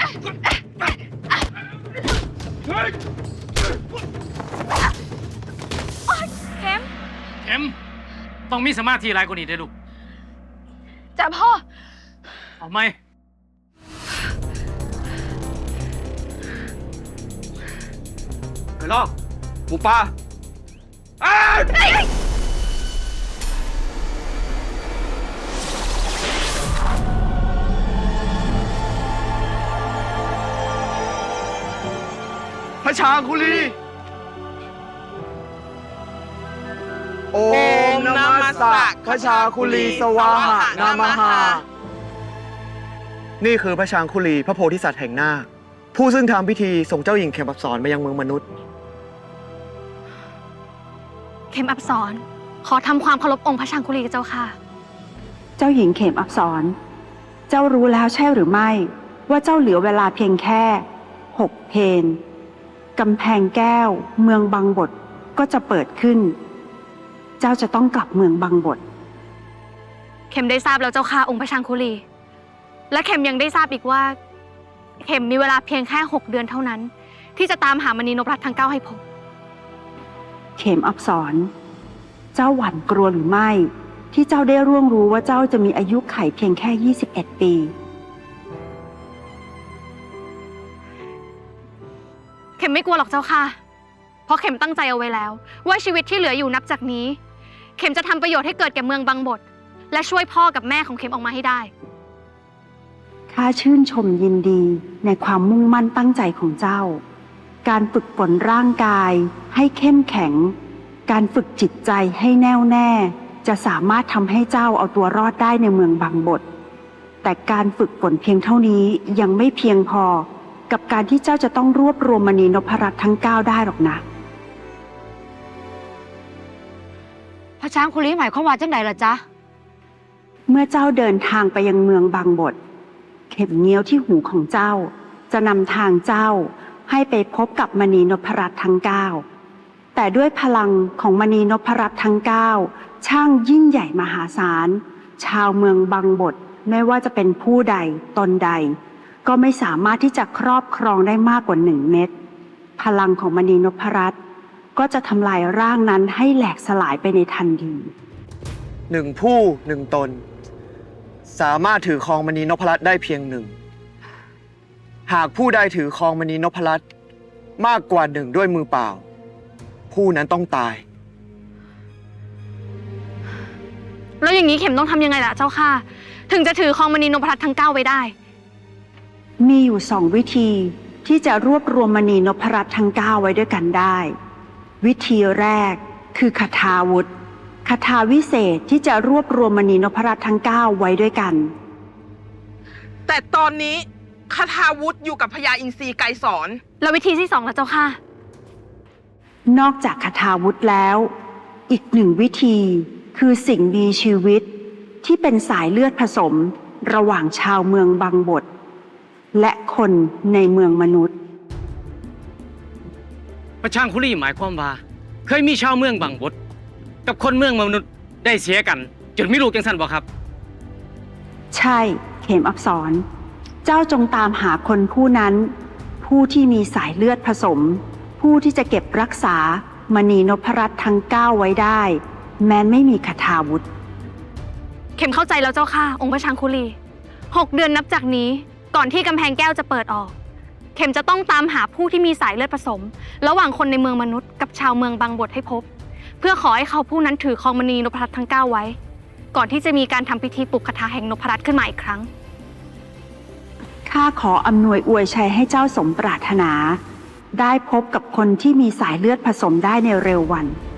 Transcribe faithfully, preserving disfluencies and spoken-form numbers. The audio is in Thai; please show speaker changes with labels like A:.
A: เข็ม
B: เข็มต้องมีสมาธิหลายกว่านี้ได้ลูก
A: จ้ะพ่อ
B: เอาไหม
C: ไปลอกหมูป่าพระชาคุลีโอมนามัสสะพระชาคุลีสวาหะนามหานี่คือพระชาคุลีพระโพธิสัตว์แห่งนาคผู้ซึ่งทำพิธีส่งเจ้าหญิงเข็มอับสรมายังเมืองมนุษย์
A: เข็มอับสรขอทำความเคารพองค์พระชางคุลีเจ้าค่ะ
D: เจ้าหญิงเข็มอับสรเจ้ารู้แล้วใช่หรือไม่ว่าเจ้าเหลือเวลาเพียงแค่หกเพนกำแพงแก้วเมืองบังบดก็จะเปิดขึ้นเจ้าจะต้องกลับเมืองบังบด
A: เข็มได้ทราบแล้วเจ้าค่ะองค์พระชางคุลีและเข็มยังได้ทราบอีกว่าเข็มมีเวลาเพียงแค่หกเดือนเท่านั้นที่จะตามหามณีนพรัตน์ทั้งเก้าให้พบ
D: เข็มอับสรเจ้าหวั่นกลัวหรือไม่ที่เจ้าได้ร่วงรู้ว่าเจ้าจะมีอายุขัยเพียงแค่ยี่สิบเอ็ดปี
A: เข็มไม่กลัวหรอกเจ้าค่ะเพราะเข็มตั้งใจเอาไว้แล้วว่าชีวิตที่เหลืออยู่นับจากนี้เข็มจะทำประโยชน์ให้เกิดแก่เมืองบังบดและช่วยพ่อกับแม่ของเข็มออกมาให้ได้
D: ข้าชื่นชมยินดีในความมุ่งมั่นตั้งใจของเจ้าการฝึกฝนร่างกายให้เข้มแข็งการฝึกจิตใจให้แน่วแน่จะสามารถทำให้เจ้าเอาตัวรอดได้ในเมืองบังบดแต่การฝึกฝนเพียงเท่านี้ยังไม่เพียงพอกับการที่เจ้าจะต้องรวบรวมมณีนพรัตน์ทั้งเก้าได้หรอกนะ
A: พระช้างคุลีหมายความว่าจังใดล่ะจ๊ะ
D: เมื่อเจ้าเดินทางไปยังเมืองบังบดเข็มเงี้ยวที่หูของเจ้าจะนำทางเจ้าให้ไปพบกับมณีนพรัตน์ทั้งเก้าแต่ด้วยพลังของมณีนพรัตน์ทั้งเก้าช่างยิ่งใหญ่มหาศาลชาวเมืองบังบดไม่ว่าจะเป็นผู้ใดตนใดก็ไม่สามารถที่จะครอบครองได้มากกว่าหนึ่งเม็ดพลังของมณีนพรัตน์ก็จะทำลายร่างนั้นให้แหลกสลายไปในทันที
C: หนึ่งผู้หนึ่งตนสามารถถือครองมณีนพรัตน์ได้เพียงหนึ่งหากผู้ใดถือครองมณีนพรัตน์มากกว่าหนึ่งด้วยมือเปล่าผู้นั้นต้องตาย
A: แล้วอย่างนี้เข็มต้องทำยังไงล่ะเจ้าค่ะถึงจะถือครองมณีนพรัตน์ทั้งเก้าไว้ได้
D: มีอยู่สองวิธีที่จะรวบรวมมณีนพรัตน์ทั้งเก้าไว้ด้วยกันได้วิธีแรกคือคทาวุธคทาวิเศษที่จะรวบรวมมณีนพรัตน์ทั้งเก้าไว้ด้วยกัน
E: แต่ตอนนี้คทาวุธอยู่กับพญาอินทรีไกรสอน
A: แล้ววิธีที่สองล่ะเจ้าค่ะ
D: นอกจากคทาวุธแล้วอีกหนึ่งวิธีคือสิ่งมีชีวิตที่เป็นสายเลือดผสมระหว่างชาวเมืองบังบดและคนในเมืองมนุษย์
B: พระชางคุลีหมายความว่าเคยมีชาวเมืองบังบดกับคนเมืองมนุษย์ได้เสียกันจนมีลูกจังสันบ่ครับ
D: ใช่เข็มอับสรเจ้าจงตามหาคนผู้นั้นผู้ที่มีสายเลือดผสมผู้ที่จะเก็บรักษามณีนพรัตน์ทั้งเก้าไว้ได้แม้ไม่มีคทาวุธ
A: เข็มเข้าใจแล้วเจ้าค่ะองค์พระชางคุลีหกเดือนนับจากนี้ก่อนที่กำแพงแก้วจะเปิดออกเข็มจะต้องตามหาผู้ที่มีสายเลือดผสมระหว่างคนในเมืองมนุษย์กับชาวเมืองบังบดให้พบเพื่อขอให้เขาผู้นั้นถือครองมณีนพรัตน์ทั้งเก้าไว้ก่อนที่จะมีการทำพิธีปลุกคาถาแห่งนพรัตน์ขึ้นมาอีกครั้ง
D: ข้าขออำนวยอวยชัยให้เจ้าสมปรารถนาได้พบกับคนที่มีสายเลือดผสมได้ในเร็ววัน